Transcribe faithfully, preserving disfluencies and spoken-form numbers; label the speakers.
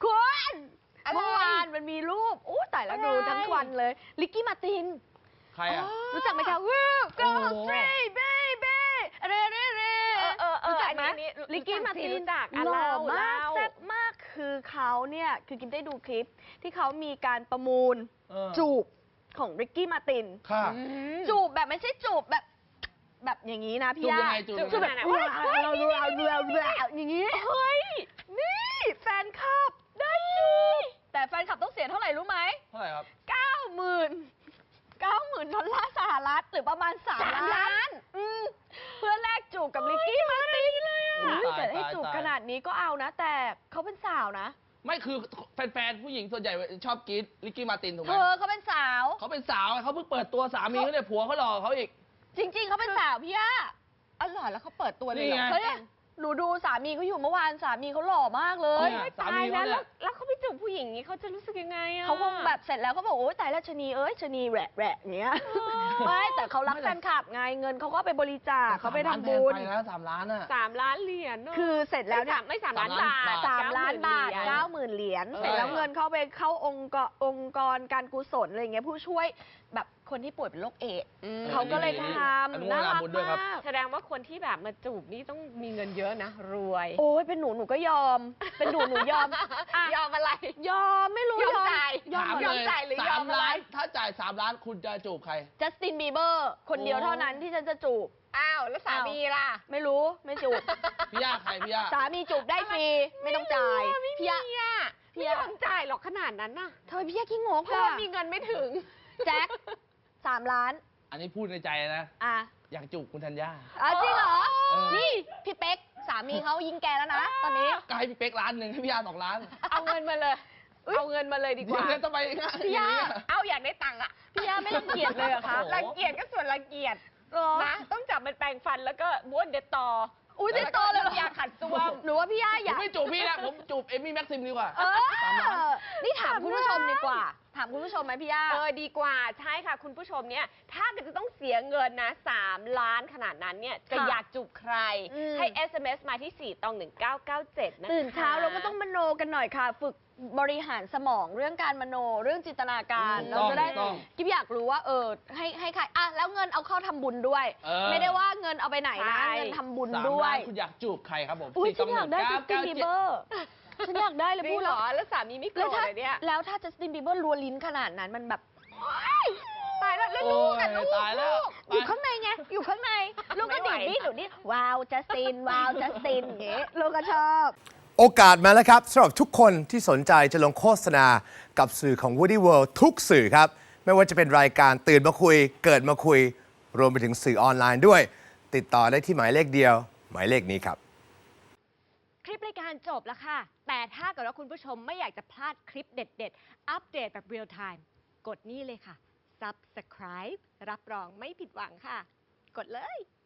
Speaker 1: คุณเมื่อวานมันมีรูปอู้ตายแล้วดูทั้งวันเลยลิกกี้มาติน
Speaker 2: ใครอ่ะ
Speaker 1: รู้จักไหมคะวู้ go straight baby เร่เร่เร่รู้จักไหมลิกกี้มาตินหล่อมากแซ่บมากคือเขาเนี่ยคือกินได้ดูคลิปที่เขามีการประมูลจูบของริกกี้มาตินจูบแบบไม่ใช่จูบแบบแบบอย่างนี้นะพี่ย่าจูบแบบเราดูเราดูเราดูอย่างนี้เฮ้ยนี่แฟนคลับได้จูบแต่แฟนคลับต้องเสียเท่าไหร่รู้ไหม
Speaker 2: เท่าไหร่ครับ
Speaker 1: เก้าหมื่นเก้าหมื่นดอลลาร์สหรัฐหรือประมาณสามล้านเพื่อแลกจูบกับลิกกี้มาตินเลยอ่ะแต่ให้จูบขนาดนี้ก็เอานะแต่เขาเป็นสาวนะ
Speaker 2: ไม่คือแฟนๆผู้หญิงส่วนใหญ่ชอบกรี๊ดลิกกี้มาตินถูกไหม
Speaker 1: เธอเขาเป็นสาว
Speaker 2: เขาเป็นสาวเขาเพิ่งเปิดตัวสามีเขาเนี่ยผัวเขาหล่อเขาอีก
Speaker 1: จริงๆเขาเป็นสาวพี่ย่า
Speaker 3: อ๋อเหรอแล้วเขาเปิดตัวเลยเหรอ
Speaker 1: เฮ้ยหนูดูสามีเขาอยู่เมื่อวานสามีเขาหล่อมากเลย
Speaker 3: ตายแล้วแล้วเขาไปจูบผู้หญิงนี้เขาจะรู้สึกยังไงอ่ะ
Speaker 1: เขาคงแบบเสร็จแล้วเขาบอกโอ้ยตายแล้วชนีเอ้ยชนีแหวะแหวะเนี้ยไม่แต่เขารักแฟนคลับไงเงินเขาก็ไปบริจาคเขาไปทำบุญ
Speaker 2: ไปนะสามล้านอ่ะ
Speaker 3: สามล้านเหรียญ
Speaker 1: คือเสร็จแล้ว
Speaker 3: ไม่สามล้านบาท
Speaker 1: สามล้านบาทเก้าหมื่นเหรียญเสร็จแล้วเงินเขาไปเข้าองค์กรองค์กรการกุศลอะไรเงี้ยผู้ช่วยแบบคนที่ป่วยเป็นโรคเอดส์เขาก็เลยทำน่ารักมาก
Speaker 3: แสดงว่าคนที่แบบมาจูบนี่ต้องมีเงินเยอะนะรวย
Speaker 1: โอ้ยเป็นหนูหนูก็ยอมเป็นหนูหนูยอม
Speaker 3: ยอมอะไร
Speaker 1: ยอมไม่รู้
Speaker 3: ยอมจ่าย
Speaker 2: ยอมจ่ายหรือยอมอะไรถ้าจ่ายสามล้านคุณจะจูบใคร
Speaker 1: จัสตินบีเบอร์คนเดียวเท่านั้นที่ฉันจะจูบ
Speaker 3: อ้าวแล้วสามีล่ะ
Speaker 1: ไม่รู้ไม่จูบ
Speaker 2: พี่ย่าใครพี่ย่า
Speaker 1: สามีจูบได้ฟรีไม่ต้องจ่าย
Speaker 3: พี่ย่าพี่ย่าต้องจ่ายหรอกขนาดนั้นน่ะ
Speaker 1: เธอพี่ย่าขี้งก
Speaker 3: เพราะมีเงินไม่ถึง
Speaker 1: แจ็คสามล้าน
Speaker 2: อันนี้พูดในใจนะ
Speaker 1: อ่ะ
Speaker 2: อยากจูบคุณธัญญา
Speaker 1: อ๋อจริงเหรอนี่พี่เป๊กสามีเขายิงแกแล้วนะตอนนี้
Speaker 2: ก็ให้พี่เป๊กล้านหนึ่งให้พี่ย่าสองล้าน
Speaker 3: เอาเงินมาเลยเอาเงินมาเลยดีกว่า
Speaker 2: เงินต้องไป
Speaker 1: พี่ย่า
Speaker 3: เอาอยากได้ตังค์อ่ะ
Speaker 1: พี่ย่าไม่รังเกียจเลยเหรอคะ
Speaker 3: รังเกียจก็ส่วนรังเกียจนะต้องจับมันแปรงฟันแล้วก็บ้วนเด็ดต่อ
Speaker 1: อุ้ยเด็ดต่อเลย
Speaker 3: ยาขัดซ่วม
Speaker 1: หนูว่าพี่ย่าอยาก
Speaker 2: ไม่จูบพี่นะผมจูบเอมี่แม็กซิมดีกว่า
Speaker 1: นี่ถามคุณผู้ชมดีกว่าถามคุณผู้ชมไหมพี่ย่า
Speaker 3: เออดีกว่าใช่ค่ะคุณผู้ชมเนี่ยถ้าเกิดจะต้องเสียเงินนะสามล้านขนาดนั้นเนี่ยจะอยากจูบใครให้ เอส เอ็ม เอส มาที่สี่ตองหนึ่งเก้าเก้าเจ็ดนะคะ
Speaker 1: ตื่นเช้าเราก็ต้องมโนกันหน่อยค่ะฝึกบริหารสมองเรื่องการมโนเรื่องจินตนาการเราจะได้กิ๊บอยากรู้ว่าเออให้ให้ใครอ่ะแล้วเงินเอาเข้าทำบุญด้วยไม่ได้ว่าเงินเอาไปไหนนะเงินทำบุญด้วย
Speaker 2: คุณอยากจูบใครครับผม
Speaker 1: อุ้ยฉันอยากได้จัสตินบีเบอร์ฉันอยากได้เลยพูด
Speaker 3: หรอแล้วสามีไม่โกรธเลยเนี่ย
Speaker 1: แล้วถ้าจัสตินบีเบอร์รัวลิ้นขนาดนั้นมันแบบ
Speaker 3: ตายแล้วแล้วลูกกันลูก
Speaker 1: อยู่ข้างในไงอยู่ข้างในลูกก็ดีดนี่ดูนี่ว้าวจัสตินว้าวจัสตินอย่างเงี้ยลูกก็ชอบ
Speaker 4: โอกาสมาแล้วครับสำหรับทุกคนที่สนใจจะลงโฆษณากับสื่อของ Woody World ทุกสื่อครับไม่ว่าจะเป็นรายการตื่นมาคุยเกิดมาคุยรวมไปถึงสื่อออนไลน์ด้วยติดต่อได้ที่หมายเลขเดียวหมายเลขนี้ครับ
Speaker 3: คลิปรายการจบแล้วค่ะแต่ถ้าเกิดว่าคุณผู้ชมไม่อยากจะพลาดคลิปเด็ดๆอัปเดตแบบเรียลไทม์กดนี่เลยค่ะ Subscribe รับรองไม่ผิดหวังค่ะกดเลย